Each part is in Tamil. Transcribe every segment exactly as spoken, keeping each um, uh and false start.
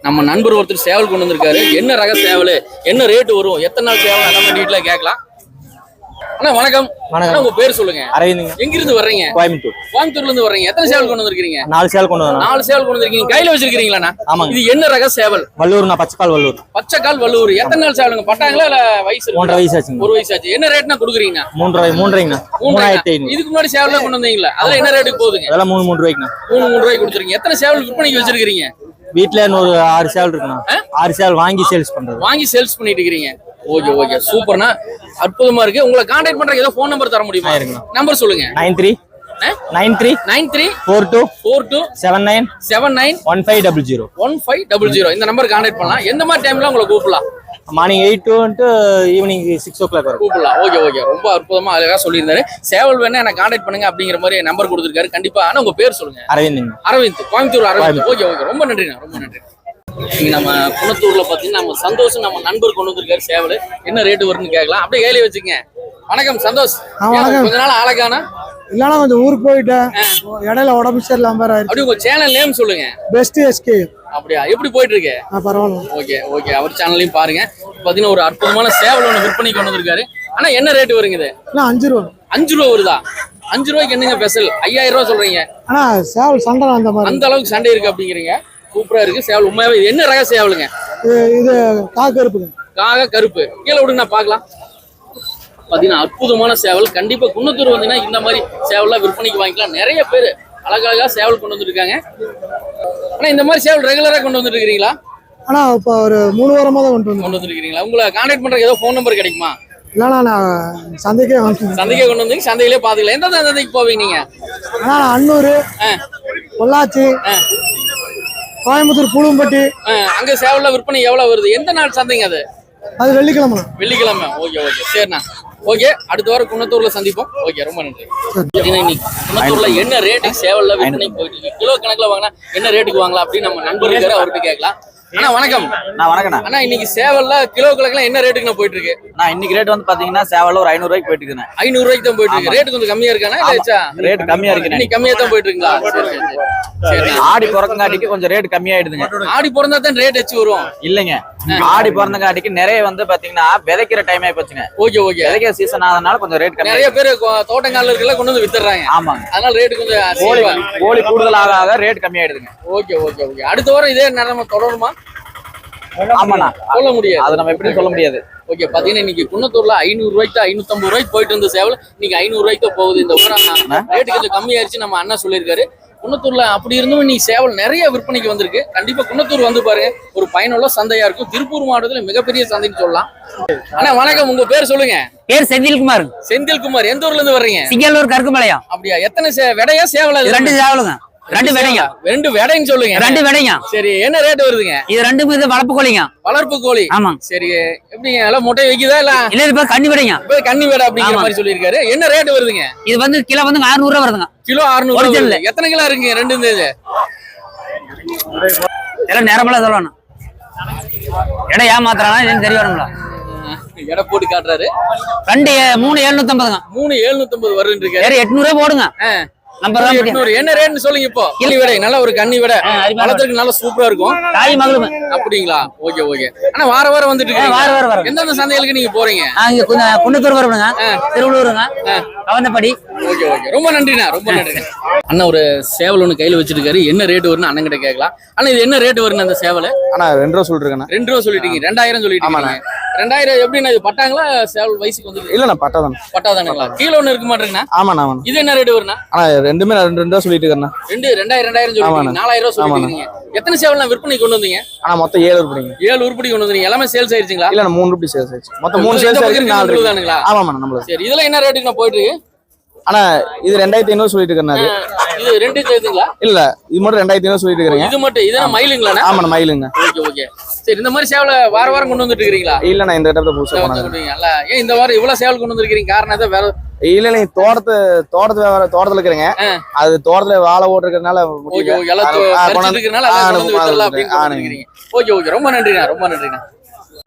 நம்ம நண்பர் ஒருத்தர் சேவல் கொண்டு வந்திருக்காரு. என்ன ரக சேவல், என்ன ரேட் வரும், எத்தனை நாள் சேவல் நம்ம டீட்டெயிலா கேட்கலாம். அண்ணா வணக்கம். வணக்கம். உங்க பேர் சொல்லுங்க. அரவிந்த். எங்க இருந்து வர்றீங்க? கோயம்புத்தூர். கோயம்புத்தூர்ல இருந்து வர்றீங்க. எத்தனை சேவல் கொண்டு வந்திருக்கீங்க? நாலு சேவல் கொண்டு வந்தேன். நாலு சேவல் கொண்டு வந்திருக்கீங்க. கையில வச்சிருக்கீங்களா? ஆமாங்க. இது என்ன ரக சேவல்? வல்லூர்னா பச்சைக்கால் வல்லூர். பச்சைக்கால் வல்லூர். எத்தனை நாள் சேவலுங்க? பட்டாங்களா இல்ல வயசு? மூன்றரை வயசு ஆச்சுங்க. ஒரு வயசு ஆச்சு. என்ன ரேட்னா கொடுக்குறீங்க? மூன்றரை மூன்றரைங்கண்ணா. மூணாயிரத்தி ஐநூறு. இதுக்கு முன்னாடி சேவல் கொண்டு வந்தீங்களா? அதுல என்ன ரேட்டுக்கு போகுதுங்க? அதெல்லாம் மூணு மூணு ரூபாய்க்குண்ணா. மூணு மூணு ரூபாய்க்கு கொடுத்துருக்கீங்க. எத்தனை சேவல் விற்பனைக்கு வச்சிருக்கீங்க? வீட்டுல ஒரு ஆறு சேவல் இருக்குண்ணா. ஆறு சேவல் வாங்கி சேல்ஸ் பண்றது. வாங்கி சேல்ஸ் பண்ணிட்டு இருக்கீங்க. ஓகே ஓகே சூப்பர்ண்ணா, அற்புதமா இருக்கு. உங்களை கான்டாக்ட் பண்றதுக்கு ஏதோ ஃபோன் நம்பர் தர முடியுமா? நம்பர் சொல்லுங்க. Nine three nine three nine three four two four two seven nine seven nine one five double zero one five double zero இந்த நம்பர் கான்டாக்ட் பண்ணலாம். எந்த மாதிரி டைம்ல உங்களை கூப்பிடலாம்? Morning eight to evening six o'clock வரும் கூப்பிடலாம். ஓகே ஓகே ரொம்ப அற்புதமா அழகா சொல்லியிருந்தாரு. சேவல் வேணா எனக்கு கான்டாக்ட் பண்ணுங்க அப்படிங்கிற மாதிரி நம்பர் கொடுத்துருக்காரு. கண்டிப்பா. ஆனா உங்க பேர் சொல்லுங்க. அரவிந்த். அரவிந்த், கோயம்புத்தூர் அரவிந்த். ஓகே ஓகே ரொம்ப நன்றிண்ணா, ரொம்ப நன்றி. இங்க நம்ம குணத்தூர்ல பாத்தீங்கன்னா நம்ம சந்தோஷம் நம்ம நண்பர் கொண்டு வந்திருக்காரு சேவல். என்ன ரேட்டு வரும்னு கேட்கலாம். அப்படியே கையில வச்சுங்க. வணக்கம் சந்தோஷ். கொஞ்ச நாள் ஆளக்கானா இல்லனா கொஞ்சம் ஊருக்கு போயிட்டேன். இடையில உடம்பு சரியில்லாம ஆயிடுச்சு. அப்படி உங்க சேனல் நேம் சொல்லுங்க. Best SK. அப்படியா, எப்படி போயிட்டு இருக்கு? பரவாயில்ல. ஓகே ஓகே அவர் சேனலையும் பாருங்க. பாத்தீங்கன்னா ஒரு அற்புதமான சேவல் ஒன்று விற்பனை கொண்டு வந்திருக்காரு. ஆனா என்ன ரேட் வருங்க இது? அஞ்சு ரூபா. அஞ்சு ரூபா வருதா? அஞ்சு ரூபாய்க்கு என்னங்க ஸ்பெஷல்? ஐயாயிரம் ரூபா சொல்றீங்க. ஆனா சேவல் சண்டை அந்த மாதிரி அந்த அளவுக்கு சண்டை இருக்கு அப்படிங்கிறீங்க. சூப்பரா இருக்கு சேவல். உண்மையாவே என்ன ரக சேவலுங்க? இது காக கருப்பு. காக கருப்பு. கீழே விடுங்க நான் பாக்கலாம். பாத்தீங்கன்னா அற்புதமான சேவல். கண்டிப்பா குன்னத்தூர் வந்தீங்கன்னா இந்த மாதிரி சேவல்லாம் விற்பனைக்கு வாங்கிக்கலாம். நிறைய பேர் அழகழகா சேவல் கொண்டு வந்துருக்காங்க. ஆனா இந்த மாதிரி சேவல் ரெகுலரா கொண்டு வந்துட்டு இருக்கீங்களா? ஆனா இப்ப ஒரு மூணு வாரமா தான் கொண்டு வந்து கொண்டு வந்துருக்கீங்களா? உங்களை கான்டாக்ட் பண்றதுக்கு ஏதோ ஃபோன் நம்பர் கிடைக்குமா? இல்லைண்ணா நான் சந்தைக்கே வாங்க. சந்தைக்கே கொண்டு வந்து சந்தையிலே பாத்துக்கலாம். எந்த சந்தைக்கு போவீங்க நீங்க? ஆனா அன்னூர், பொள்ளாச்சி, கோயம்புத்தூர், புழும்பட்டி. அங்க சேவல்ல விற்பனை எவ்வளவு வருது? எந்த நாள் சந்தைங்க அது? அது வெள்ளிக்கிழமை. வெள்ளிக்கிழமை. ஓகே ஓகே சரிண்ணா. ஓகே அடுத்த வாரம் குன்னத்தூர்ல சந்திப்போம். ஓகே ரொம்ப நன்றி. குன்னத்தூர்ல என்ன ரேட்டுக்கு சேவல்ல விற்பனை போயிட்டு இருக்கு? கிலோ கணக்குல வாங்கினா என்ன ரேட்டுக்கு வாங்கலாம் அப்படின்னு நம்ம நண்பர் இருக்காரு, அவர்கிட்ட கேட்கலாம். அண்ணா வணக்கம். நான் வணக்கண்ணா. அண்ணா இன்னைக்கு சேவல்ல கிலோ கணக்குல என்ன ரேட்டுக்கு போயிட்டு இருக்கு? நான் இன்னைக்கு ரேட் வந்து பாத்தீங்கன்னா சேவல் ஒரு ஐநூறு ரூபாய்க்கு போயிட்டு இருக்கு. ஐநூறு ரூபாய்க்கு தான் போயிட்டு இருக்கு. ரேட் கொஞ்சம் கம்மியா இருக்கானா? இல்ல ரேட் கம்மியா இருக்கு. இன்னைக்கு கம்மியா தான் போயிட்டு இருக்குங்களா? சரி. ஆடி பிறந்தங்காட்டிக்கு கொஞ்சம் ரேட் கம்மியாயிடுதுங்க. ஆடி பிறந்தா தான் ரேட் வச்சு வரும் இல்லைங்க. ஆடி பிறந்தங்காட்டிக்கு நிறைய வந்து பாத்தீங்கன்னா விதைக்கிற டைம் ஆயி போச்சுங்க. ஓகே ஓகே விதைக்கிற சீசன் ஆனதுனால கொஞ்சம் ரேட் கம்மி. நிறைய பேர் தோட்டங்கால இருக்கல கொண்டு வந்து வித்துறாங்க. ஆமாங்க. அதனால ரேட் கொஞ்சம் கோழி கோழி கூடுதல் ஆக ஆக ரேட் கம்மியாயிடுதுங்க. ஓகே ஓகே ஓகே அடுத்த வாரம் இதே நிலைமை தொடருமா? ஆமாண்ணா சொல்ல முடியாது. அதை நம்ம எப்படி சொல்ல முடியாது. ஓகே பாத்தீங்கன்னா இன்னைக்கு குன்னத்தூர்ல ஐநூறு ரூபாய்க்கு ஐநூத்தி ஐம்பது ரூபாய்க்கு போயிட்டு இருந்த சேவல் இன்னைக்கு ஐநூறு ரூபாய்க்கு போகுது. இந்த வாரம் ரேட்டு கொஞ்சம் கம்மியாயிருச்சு நம்ம அண்ணா சொல்லியிருக்காரு. குன்னத்தூர்ல அப்படி இருந்தும் இன்னைக்கு சேவல் நிறைய விற்பனைக்கு வந்திருக்கு. கண்டிப்பா குன்னத்தூர் வந்து பாருங்க, ஒரு பயனுள்ள சந்தையா இருக்கும். திருப்பூர் மாவட்டத்துல மிகப்பெரிய சந்தைன்னு சொல்லலாம். அண்ணா வணக்கம், உங்க பேர் சொல்லுங்க. பேர் செந்தில்குமார். செந்தில்குமார். எந்த ஊர்ல இருந்து வர்றீங்க? சிங்கல்லூர் கருக்குமலையா. அப்படியா, எத்தனை விடையா சேவலா? ரெண்டு சேவலுங்க. ரெண்டு விடைங்க. ரெண்டு விடைன்னு சொல்லுங்க. ரெண்டு விடைங்க. சரி என்ன ரேட் வருதுங்க? இது ரெண்டும் இது வளர்ப்பு கோழிங்க. வளர்ப்பு கோழி. ஆமா. சரி எப்படிங்க எல்லாம் முட்டை வைக்குதா இல்ல? இல்ல இப்ப கன்னி விடைங்க. இப்ப கன்னி விடை அப்படிங்கிற மாதிரி சொல்லியிருக்காரு. என்ன ரேட் வருதுங்க? இது வந்து கிலோ வந்து அறுநூறு ரூபா வருதுங்க. கிலோ அறுநூறு. எத்தனை கிலோ இருக்குங்க ரெண்டு இந்த இது? எல்லாம் நேரமெல்லாம் சொல்லணும். எடை ஏமாத்துறானா தெரிய வருங்களா? எடை போட்டு காட்டுறாரு. ரெண்டு மூணு எழுநூத்தி ஐம்பதுங்க. மூணு எழுநூத்தி ஐம்பது வருன்னு இருக்கு. எட்நூறு ரூபாய் போடுங்க. என்ன ரேட்னு சொல்லுங்க. இப்போ கிளி விடை நல்ல ஒரு கன்னி விடை வளர்த்துக்கு நல்லா சூப்பரா இருக்கும். தாய் மகளும் அப்படிங்களா? Okay okay. ஆனா வார வாரம் வந்துட்டு இருக்கு. வார வாரம் வரும். எந்தெந்த சந்தைகளுக்கு நீங்க போறீங்க? குன்னத்தூர் வரணுங்க, திருவள்ளூருங்க, கவந்தப்படி. ஓகே ஓகே ரொம்ப நன்றிண்ணா, ரொம்ப நன்றிண்ணா. அண்ணா ஒரு சேவல் ஒண்ணு கையில வச்சிருக்காரு. என்ன ரேட் வரும்னு அண்ணன் கிட்ட கேட்கலாம். ஆனா இது என்ன ரேட் வரும்னு அந்த சேவல்? ஆனா ரெண்டு ரூபா சொல்லிருக்கேன். ரெண்டு ரூபா சொல்லிட்டீங்க. ரெண்டாயிரம் சொல்லிட்டீங்க. ரெண்டாயிரம் எப்படின்னா இது பட்டாங்களா சேவல் வயசுக்கு வந்து? இல்லண்ணா பட்டாதான். பட்டாதானுங்களா? கீழே ஒண்ணு இருக்க மாட்டேங்கண்ணா. ஆமாண்ணா. இது என்ன ரேட் வரும்னா? ஆனா ரெண்டுமே ரெண்டு ரெண்டு ரூபா சொல்லிட்டு இருக்கேன். ரெண்டு ரெண்டாயிரம் ரெண்டாயிரம் சொல்லிட்டீங்க. நாலாயிரம் ரூபா சொல்லிட்டீங்க. எத்தனை சேவல் விற்பனை கொண்டு வந்தீங்க? ஆனா மொத்தம் ஏழு உருப்படிங்க. ஏழு உருப்படி கொண்டு வந்தீங்க. எல்லாமே சேல்ஸ் ஆயிருச்சுங்களா? இல்ல மூணு ரூபாய் சேல்ஸ் ஆயிடுச்சு. மொத்தம் மூணு சேல்ஸ் ஆயிருக்கு. நாலு ரூபாய்ங்களா? ஆமாண்ணா நம்மள. சரி இதெல்லாம் என்ன ரேட்டுக்கு நான் போயிட்டு இருக்கு? ஆனா இது ரெண்டாயிரத்தி ஐநூறு சொல்லிட்டு இருக்கேன். இது ரெண்டு சேர்த்துங்களா? இல்ல இது மட்டும் ரெண்டாயிரத்தி ஐநூறு சொல்லிட்டு இருக்கேன். இது மட்டும் இதெல்லாம் மயிலுங்களா? ஆமாண்ணா மயிலுங்க. Okay okay. சரி இந்த மாதிரி சேவலை வார வாரம் கொண்டு வந்துட்டு இருக்கீங்களா? இல்ல நான் இந்த இடத்துல புதுசா கொண்டுங்களா? ஏன் இந்த வாரம் இவ்வளவு சேவல் கொண்டு வந்திருக்கீங்க? காரணம் எதாவது வேற? இல்ல இல்ல தோட்டத்து தோட்டத்துல வேற தோட்டத்துல இருக்கிறீங்க. அது தோட்டத்துல வாழை ஓட்டுறதுனால ஓகே ஓகே ரொம்ப நன்றிண்ணா, ரொம்ப நன்றிண்ணா.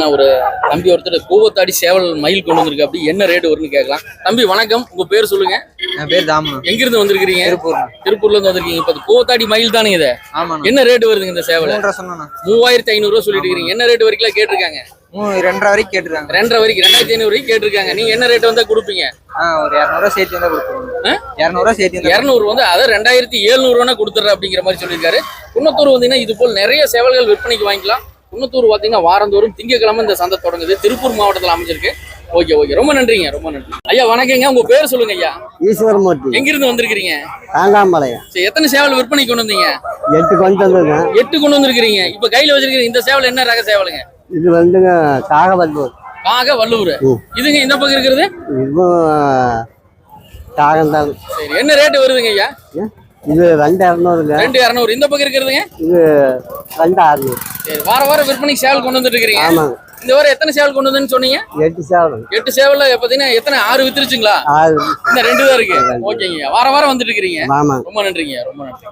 நான் ஒரு தம்பி ஒருத்தர் கூவத்தாடி சேவல் மயில் கொண்டு வந்திருக்கு அப்படி என்ன ரேட் வரும்னு கேட்கலாம். தம்பி வணக்கம், உங்க பேர் சொல்லுங்க. என் பேர் தாமு. எங்க இருந்து வந்திருக்கீங்க? திருப்பூர். திருப்பூர்ல இருந்து வந்திருக்கீங்க. இப்ப கூவத்தாடி மயில் தானே இது? ஆமா. என்ன ரேட் வருதுங்க இந்த சேவல்? மூன்றரை சொன்னா. மூவாயிரத்தி ஐநூறு ரூபா சொல்லிட்டு இருக்கீங்க. என்ன ரேட் வரைக்கும் கேட்டிருக்காங்க? ரெண்டரை வரைக்கும் கேட்டிருக்காங்க. ரெண்டரை வரைக்கும் ரெண்டாயிரத்தி ஐநூறு வரைக்கும் கேட்டிருக்காங்க. நீங்க என்ன ரேட் வந்தா கொடுப்பீங்க? ஆஹ் ஒரு இரநூறுவா சேர்த்து வந்தா கொடுத்துருவோம். இரநூறுவா சேர்த்து இரநூறு வந்து அதை ரெண்டாயிரத்தி எழுநூறு ரூபா கொடுத்துட்ற அப்படிங்கிற மாதிரி சொல்லியிருக்காரு. குன்னத்தூர் வந்தீங்கன்னா இது போல் நிறைய சேவல்கள் விற்பனைக்கு வாங்கிக்கலாம். குன்னத்தூர் பார்த்தீங்கன்னா வாரந்தோறும் திங்கக்கிழமை இந்த சந்தை தொடங்குது. திருப்பூர் மாவட்டத்தில் அமைஞ்சிருக்கு. ஓகே ஓகே, ரொம்ப நன்றிங்க, ரொம்ப நன்றி ஐயா. வணக்கங்க, உங்க பேர் சொல்லுங்க ஐயா. ஈஸ்வரமூர்த்தி. எங்க இருந்து வந்திருக்கீங்க? தாங்காம்பாளையம். சரி, எத்தனை சேவல் விற்பனை கொண்டு வந்தீங்க? எட்டு கொண்டு வந்திருக்கேன். எட்டு கொண்டு வந்திருக்கீங்க. இப்ப கையில வச்சிருக்கீங்க இந்த சேவல் என்ன ரக சேவலுங்க? இது வந்துங்க காகவல்லூர். காக வல்லூர். இதுங்க இந்த பக்கம் இருக்கிறது இதுவும் காகம்தான். சரி, என்ன ரேட் வருதுங்க ஐயா? இது ரெண்டு இரநூறுங்க. ரெண்டு இரநூறு. இந்த பக்கம் இருக்கிறதுங்க இது ரெண்டு அறுநூறு. சரி, வார வாரம் விற்பனைக்கு சேவல் கொண்டு வந்துட்டு இருக்கீங்க. ஆமாங்க. இந்த வாரம் எத்தனை சேவல் கொண்டு வந்தேன்னு சொன்னீங்க? எட்டு சேவல். எட்டு சேவல்ல பாத்தீங்கன்னா எத்தனை? ஆறு வித்துருச்சுங்களா? ஆறு. இந்த ரெண்டு தான் இருக்கு. ஓகேங்க, வார வாரம் வந்துட்டு இருக்கிறீங்க. ஆமாங்க. ரொம்ப நன்றிங்க, ரொம்ப நன்றி.